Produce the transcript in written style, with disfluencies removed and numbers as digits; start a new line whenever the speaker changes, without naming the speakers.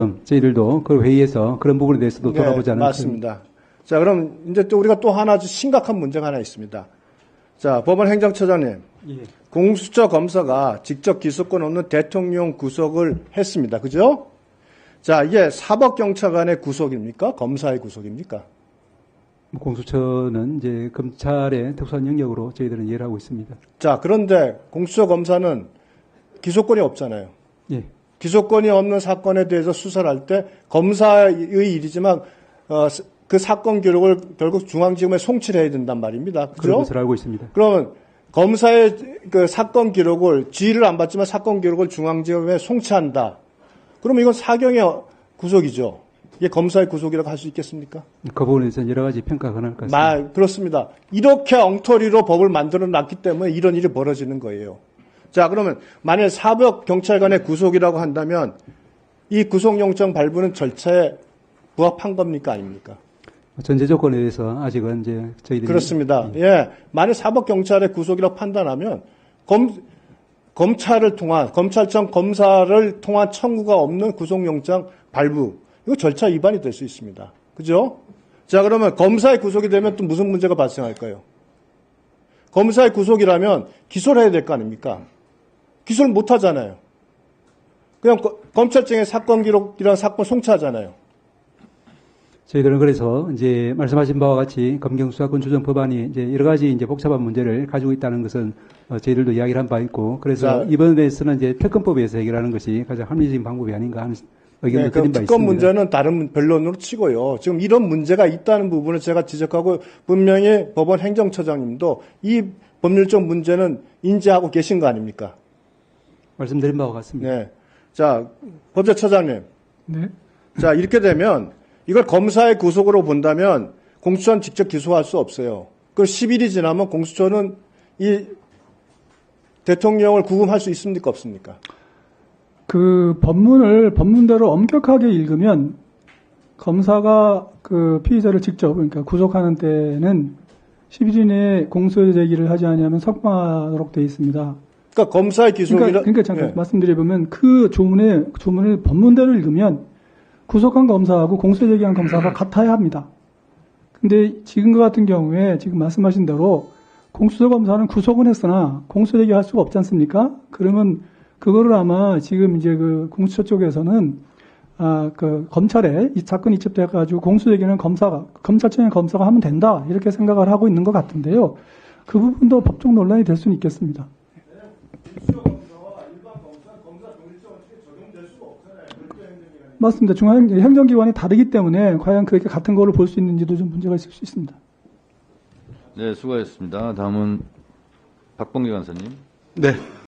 저희들도 그 회의에서 그런 부분에 대해서도
네,
돌아보자는.
맞습니다. 자, 그럼 이제 또 우리가 또 하나 아주 심각한 문제가 하나 있습니다. 자, 법원 행정처장님.
예.
공수처 검사가 직접 기소권 없는 대통령 구속을 했습니다. 그죠? 자, 이게 사법경찰관의 구속입니까? 검사의 구속입니까?
공수처는 이제 검찰의 특수한 영역으로 저희들은 이해를 하고 있습니다.
자, 그런데 공수처 검사는 기소권이 없잖아요.
예.
기소권이 없는 사건에 대해서 수사를 할 때 검사의 일이지만 그 사건 기록을 결국 중앙지검에 송치를 해야 된단 말입니다.
그런
그죠?
것을 알고 있습니다.
그러면 검사의 그 사건 기록을 지휘를 안 받지만 사건 기록을 중앙지검에 송치한다. 그러면 이건 사경의 구속이죠. 이게 검사의 구속이라고 할 수 있겠습니까?
그 부분에 대해서는 여러 가지 평가가 가능할 것 같습니다.
그렇습니다. 이렇게 엉터리로 법을 만들어 놨기 때문에 이런 일이 벌어지는 거예요. 자, 그러면 만약 사법경찰관의 구속이라고 한다면 이 구속영장 발부는 절차에 부합한 겁니까? 아닙니까?
전제 조건에 대해서 아직은 이제 저희들이.
그렇습니다. 예. 만약 사법경찰의 구속이라고 판단하면 검찰청 검사를 통한 청구가 없는 구속영장 발부. 이거 절차 위반이 될 수 있습니다. 그죠? 자, 그러면 검사의 구속이 되면 또 무슨 문제가 발생할까요? 검사의 구속이라면 기소를 해야 될 거 아닙니까? 기소를 못 하잖아요. 그냥 검찰청에 사건 기록이랑 사건 송치하잖아요.
저희들은 그래서 이제 말씀하신 바와 같이 검경수사권 조정 법안이 이제 여러 가지 이제 복잡한 문제를 가지고 있다는 것은 저희들도 이야기를 한 바 있고, 그래서 이번에서는 이제 특검법에서 해결하는 것이 가장 합리적인 방법이 아닌가 하는 의견을 드린 바 있습니다.
특검 문제는 다른 변론으로 치고요. 지금 이런 문제가 있다는 부분을 제가 지적하고 분명히 법원 행정처장님도 이 법률적 문제는 인지하고 계신 거 아닙니까?
말씀드린 바와 같습니다.
네. 자, 법제처장님.
네.
자, 이렇게 되면 이걸 검사의 구속으로 본다면 공수처는 직접 기소할 수 없어요. 그 10일이 지나면 공수처는 이 대통령을 구금할 수 있습니까? 없습니까?
그 법문대로 엄격하게 읽으면 검사가 그 피의자를 직접, 그러니까 구속하는 때는 10일 이내에 공소 제기를 하지 않으면 석방하도록 되어 있습니다.
그러니까 검사의 기소이라.
그러니까 잠깐
네.
말씀드려보면 그 조문을 법문대로 읽으면 구속한 검사하고 공소 제기한 검사가 같아야 합니다. 근데 지금과 같은 경우에 지금 말씀하신 대로 공수처 검사는 구속은 했으나 공소 제기할 수가 없지 않습니까? 그러면 그거를 아마 지금 이제 그 공수처 쪽에서는 그 검찰에 이 사건이 입증돼가지고 공소 제기는 검찰청의 검사가 하면 된다 이렇게 생각을 하고 있는 것 같은데요. 그 부분도 법적 논란이 될 수는 있겠습니다. 맞습니다. 중앙행정기관이 다르기 때문에 과연 그렇게 같은 거를 볼 수 있는지도 좀 문제가 있을 수 있습니다.
네, 수고하셨습니다. 다음은 박범계 간사님.
네,